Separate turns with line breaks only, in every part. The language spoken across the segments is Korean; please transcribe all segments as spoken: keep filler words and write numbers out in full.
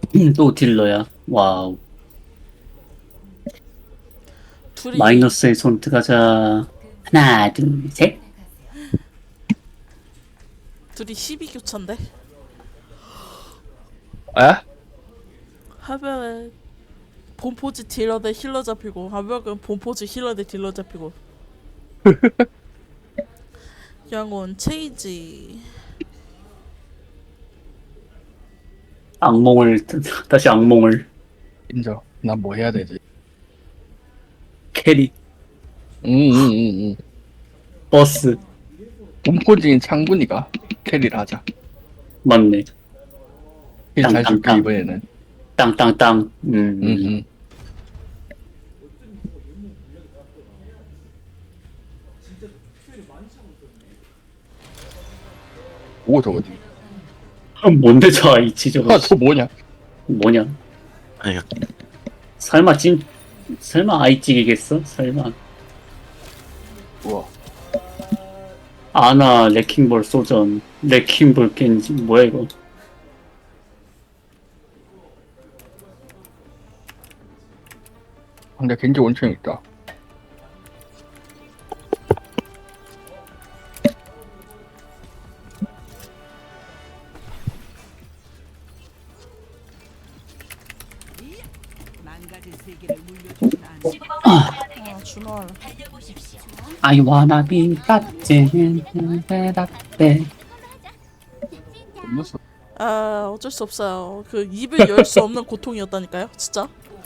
또 딜러야. 와우.
둘이
마이너스의 손 들어가자. 하나, 둘, 셋.
둘이 십이 교차인데
에?
한 명은 본포즈 딜러 대 힐러 잡히고 한 명은 본포즈 힐러 대 딜러 잡히고. 영혼 체이지.
악몽을, 다시 악몽을.
인정. 난 뭐 해야 되지?
캐리,
응응응응.
버스.
본포지인 창군이가 캐리를 하자.
맞네.
힐잘 줄게
땅땅땅.
이번에는.
땅땅땅. 음.
응응. 오 저거.
아, 뭔데 저 아이치 저거.
아저 뭐냐?
뭐냐.
아니,
설마 찐, 설마 아이찌개겠어? 설마.
우와.
아나, 레킹볼 소전. 레킹볼 겐지. 뭐야 이거.
근데 겐지 원천 있다.
아 준호할.
I wanna be 갓진. 대답대.
무슨?
아 어쩔 수 없어요. 그 입을 열 수 없는 고통이었다니까요. 진짜.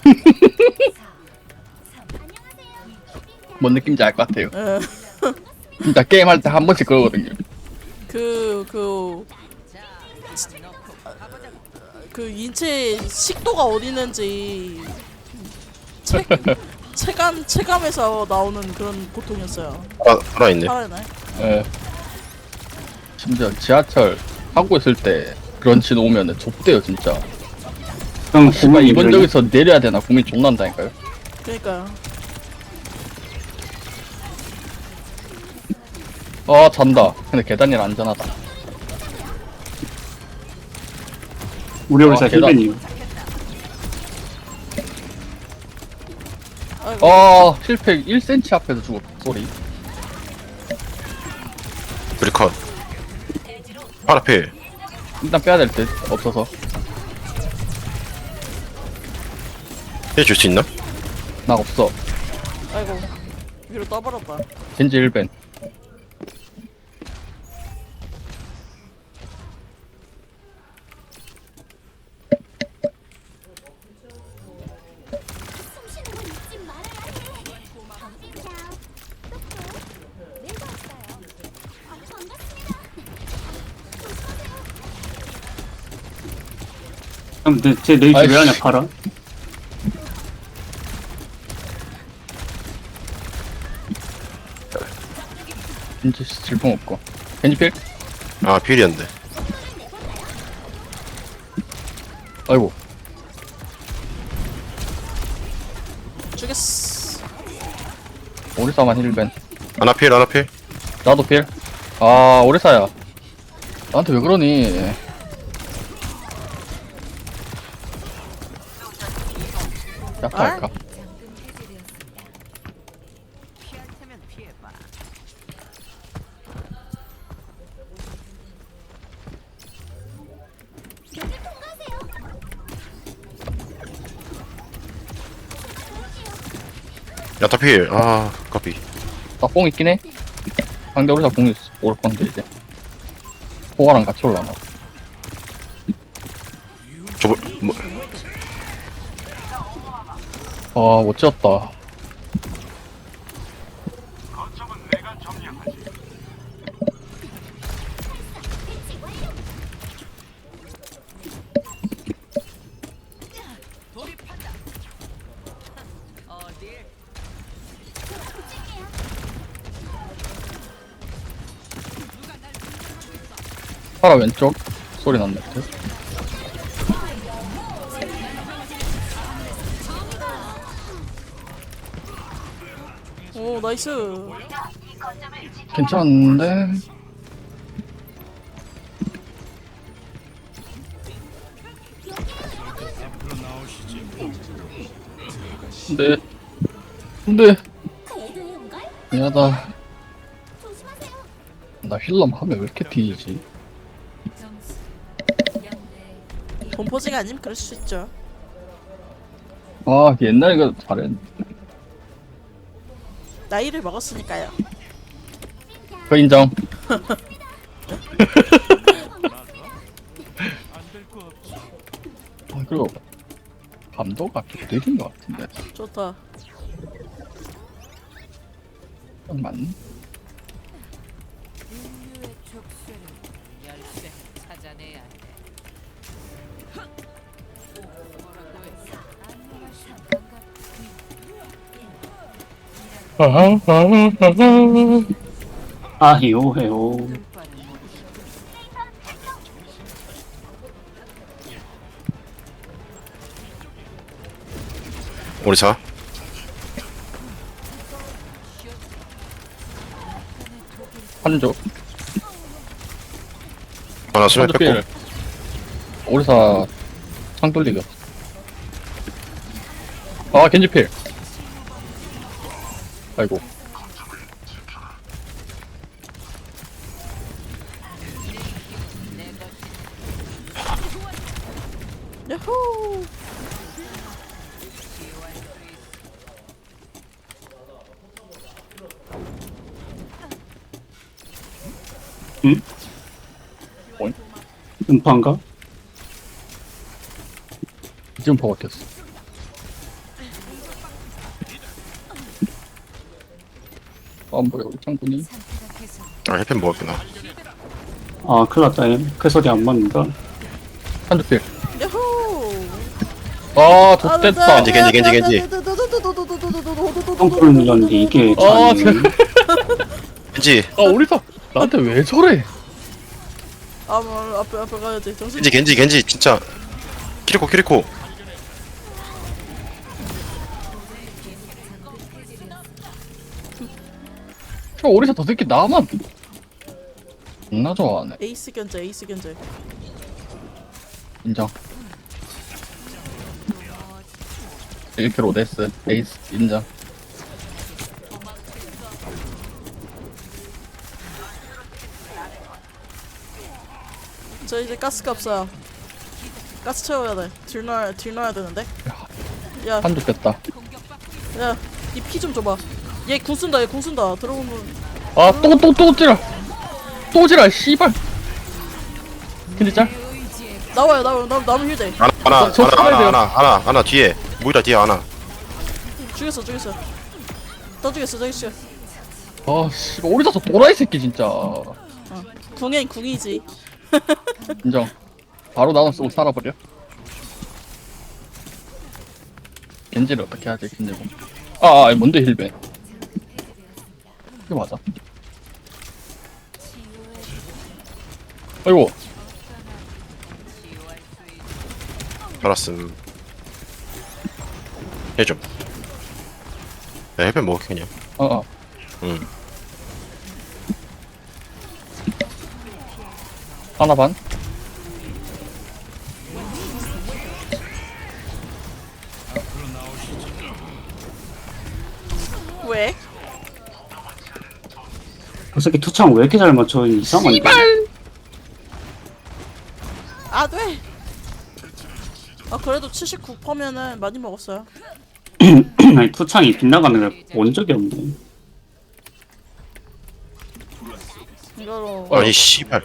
뭔 느낌인지 알 것 같아요.
에.
진짜 게임 할 때 한 번씩 그러거든요.
그, 그, 그 인체 식도가 어디 있는지 체, 체감, 체감에서 나오는 그런 고통이었어요.
살아, 살아있네.
살아있네.
예. 심지어 지하철 타고 있을 때 그런 신 오면은 좁대요 진짜.
형,
정말 이번 적에서 내려야 되나 고민 존나 한다니까요.
그러니까요.
아 잔다. 근데 계단이 안전하다.
우리 회사
아, 계단.
힐벤이요.
아이고.
아 실패 일 센티미터 앞에서 죽었다. 소리.
우리 컷. 파라필.
일단 빼야 될 듯 없어서.
해줄 수 있나?
나 없어.
아이고. 위로 떠버렸다.
겐지 일 벤.
형, 내, 쟤 너희 집에
아이씨.
하냐, 팔아?
겐지 질풍 없고. 겐지 필?
아, 필이었는데.
아이고.
죽였어.
오리사만 일 벤.
하나 필, 하나 필.
나도 필. 아 오리사야. 나한테 왜 그러니? 약할까?
야타 필. 아, 커피.
나뽕 있긴 해. 상대 오리사 뽕 있, 올 건데 이제. 포화랑 같이 올라나.
저거, 뭐,
아, 못 지었다. 파라 왼쪽 소리 났네.
오 나이스.
괜찮은데. 근데 근데 미안하다. 나 힐럼 하면 왜 이렇게 뒤지지?
본포즈가 아니면 그럴 수 있죠.
아 옛날에 그 잘했는데.
나이를 먹었으니까요.
그 인정. 아 그리고 감도가 좀 느린 것 같은데.
좋다.
딱 맞네.
인류의 족쇄를 열쇠 찾아내야 돼. 뭐라고 했어? 안무가 상관과
아히오 해요.
끝발은 모르겠어.
오리사.
한조.
하나 수면
한조
뺐고.
필. 오리사 창 돌리기. 아 겐지 필. 아이고.
야호!
응?
뭐니?
음파인가?
지금 보고 꼈어. 아 뭐야 우리 창군이.
상태가 계속
아 헬펜 먹었구나.
아 큰일 났다. 그 소리 안 맞는다.
한조 필.
야호!
아 좋됐다.
겐지, 겐지, 겐지, 겐지.
덩크를 눌렀는데 이게
아,
잘
겐지
아 오리사 나한테 왜 저래?
아, 뭐 앞에 앞에 가야지. 정신.
겐지 겐지 겐지 진짜. 키리코 키리코.
저 오리사 더 새끼 나만 존나 좋아하네.
에이스 견제, 에이스 견제.
인정. 일 킬로 오데스 에이스 인정.
저 이제 가스가 없어요. 가스 채워야 돼. 딜 넣어야 딜 넣어야 되는데. 야,
한조 뺐다.
야, 이 피 좀 줘봐. 얘 궁 쓴다, 얘 궁 쓴다. 들어오면
아또 또 또 찌라. 또 찌라 씨발. 근데 짤?
나와요, 나와요, 나 남은 휴대.
하나 하나
저
하나
살아야 돼요.
하나 하나 하나 하나 뒤에. 모이라 뒤에 하나.
죽였어, 죽였어. 더 죽였어, 더 죽였어.
아 씨발 오리사 저 도라이 새끼 진짜.
어. 궁엔 궁이지.
인정. 바로 나눠 쓰고 살아버려. 겐지를 어떻게 하지 겐지고. 아, 아 뭔데 힐베. 이게 맞아. 아이고.
알았음. 해좀. 야 헬펜 먹을게 그냥.
어 어.
응.
하나 반.
왜?
그 새끼 투창 왜 이렇게 잘 맞춰? 이상한데.
아, 돼. 아, 그래도 칠십구 퍼센트면은 많이 먹었어요.
아니 투창이 빗나가는 걸 본 적이 없네.
이거로
어.
아니 씨발.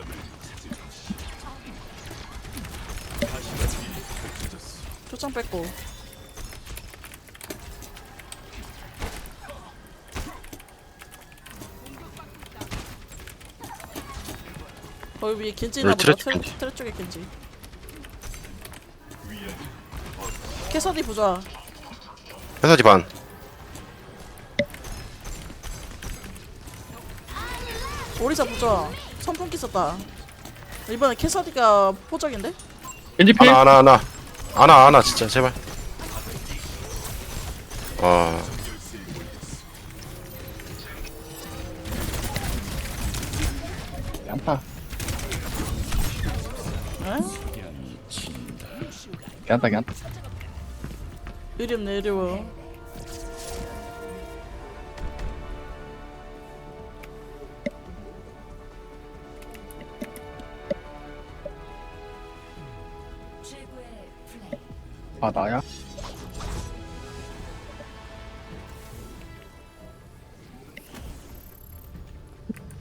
초장 뺐고. 거기 위에 겐지나
우리
보다.
트랩
트레,
겐지.
트레 쪽에 겐지. 캐서디 부좌.
회사지 반.
오리사 부좌. 선풍기 썼다. 이번에 캐서디가 포적인데?
겐지 필.
하나 하나 하나. 하나 하나 진짜 제발. 와.
양파.
에?
괜찮다 괜찮다.
의림 내려워.
최고의 플레이.
아 나야?